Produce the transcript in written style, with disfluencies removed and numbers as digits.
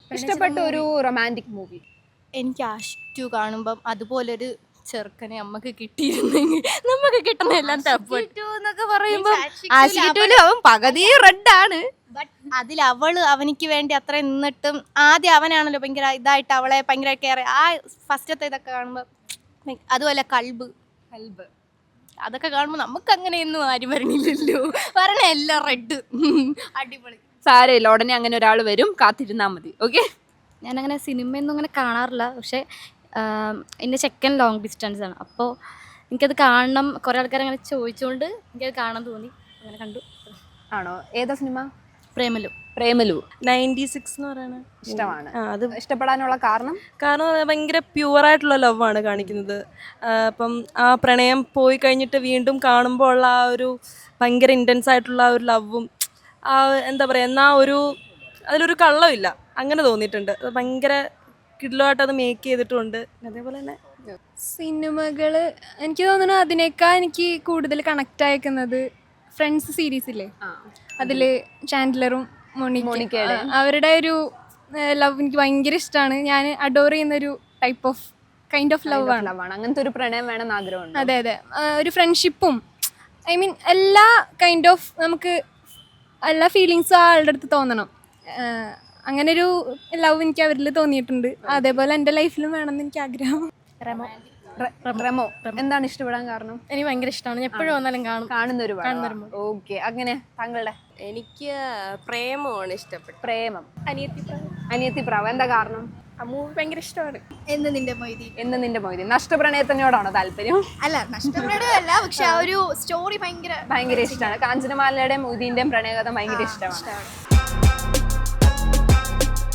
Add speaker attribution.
Speaker 1: ഇഷ്ടപ്പെട്ട ഒരു romantic movie?
Speaker 2: എനിക്ക് ആഷിക് 2 കാണുമ്പം അതുപോലൊരു ചെറുക്കനെ നമുക്ക് കിട്ടിയിരുന്നെങ്കിൽ നമുക്ക് കിട്ടുന്ന എല്ലാം എന്നൊക്കെ പറയുമ്പോൾ അവൻ പകുതി റെഡാണ്. ബട്ട് അതിൽ അവനിക്ക് വേണ്ടി അത്ര നിന്നിട്ടും ആദ്യം അവനാണല്ലോ ഭയങ്കര ഇതായിട്ട് അവളെ ഭയങ്കര കെയർ ആ ഫസ്റ്റത്തെ ഇതൊക്കെ കാണുമ്പോൾ അതുപോലെ കൽബ് അതൊക്കെ കാണുമ്പോൾ നമുക്ക് അങ്ങനെയൊന്നും ആരും വരണില്ലല്ലോ. പറഞ്ഞ എല്ലാം റെഡ് അടിപൊളി.
Speaker 1: സാരമില്ല, ഉടനെ അങ്ങനെ ഒരാൾ വരും, കാത്തിരുന്നാൽ മതി. ഓക്കെ.
Speaker 3: ഞാനങ്ങനെ സിനിമയൊന്നും അങ്ങനെ കാണാറില്ല. പക്ഷേ എൻ്റെ ചെക്കൻ ലോങ് ഡിസ്റ്റൻസ് ആണ്. അപ്പോൾ എനിക്കത് കാണണം. കുറേ ആൾക്കാർ അങ്ങനെ ചോദിച്ചുകൊണ്ട് എനിക്കത് കാണാൻ തോന്നി. അങ്ങനെ കണ്ടു.
Speaker 1: ആണോ? ഏതാ സിനിമ?
Speaker 3: പ്രേമലു.
Speaker 4: 96 എന്ന് പറയുന്നത്
Speaker 1: ഇഷ്ടമാണ്. അത് ഇഷ്ടപ്പെടാനുള്ള കാരണം
Speaker 4: ഭയങ്കര പ്യുവറായിട്ടുള്ള ലവ് ആണ് കാണിക്കുന്നത്. അപ്പം ആ പ്രണയം പോയി കഴിഞ്ഞിട്ട് വീണ്ടും കാണുമ്പോൾ ഉള്ള ആ ഒരു ഭയങ്കര ഇൻറ്റൻസ് ആയിട്ടുള്ള ആ ഒരു ലവും ആ എന്താ പറയുക എന്നാൽ അതിലൊരു കള്ളമില്ല, അങ്ങനെ തോന്നിയിട്ടുണ്ട്. അത് ഭയങ്കര കിഡ്ലുമായിട്ട് അത് മേക്ക് ചെയ്തിട്ടുണ്ട്. അതേപോലെ തന്നെ
Speaker 5: സിനിമകൾ എനിക്ക് തോന്നുന്നു അതിനേക്കാൾ എനിക്ക് കൂടുതൽ കണക്റ്റ് അയക്കുന്നത് ഫ്രണ്ട്സ് സീരീസില്ലേ, അതിൽ ചാൻഡലറും മോണിക്കയുടെ അവരുടെ ഒരു ലവ് എനിക്ക് ഭയങ്കര ഇഷ്ടമാണ്. ഞാൻ അഡോർ ചെയ്യുന്നൊരു type of kind of love ആണ്.
Speaker 1: അങ്ങനത്തെ ഒരു പ്രണയം വേണമെന്ന് ആഗ്രഹമുണ്ട്.
Speaker 5: അതെ അതെ, ഒരു ഫ്രണ്ട്ഷിപ്പും ഐ മീൻ എല്ലാ കൈൻഡ് ഓഫ് നമുക്ക് എല്ലാ ഫീലിങ്സും ആ ആളുടെ അടുത്ത് തോന്നണം. അങ്ങനൊരു ലവ് എനിക്ക് അവരിൽ തോന്നിയിട്ടുണ്ട്. അതേപോലെ എൻ്റെ ലൈഫിലും വേണമെന്ന് എനിക്ക് ആഗ്രഹം.
Speaker 1: റെമോ എന്താണ് ഇഷ്ടപ്പെടാൻ കാരണം?
Speaker 3: എനിക്ക് ഭയങ്കര ഇഷ്ടമാണ്. എപ്പോഴും വന്നാലും
Speaker 1: കാണുന്ന ഒരു ഓക്കെ. അങ്ങനെ താങ്കളുടെ?
Speaker 2: എനിക്ക് പ്രേമമാണ് ഇഷ്ടപ്പെട്ടത്.
Speaker 1: പ്രേമം. അനിയത്തി പ്രാവ്. എന്താ കാരണം?
Speaker 5: ആ മൂവി ഭയങ്കര ഇഷ്ടമാണ്.
Speaker 2: എന്ന് നിന്റെ മൊയ്തി.
Speaker 1: നഷ്ടപ്രണയത്തിനോടാണോ താല്പര്യം?
Speaker 2: അല്ല, നഷ്ടപ്രണയമല്ല, പക്ഷെ ആ ഒരു സ്റ്റോറി ഭയങ്കര
Speaker 1: ഇഷ്ടമാണ്. കാഞ്ചനമാലയുടെയും മൊയ്തീന്റെയും പ്രണയകഥ ഭയങ്കര ഇഷ്ടമാണ്.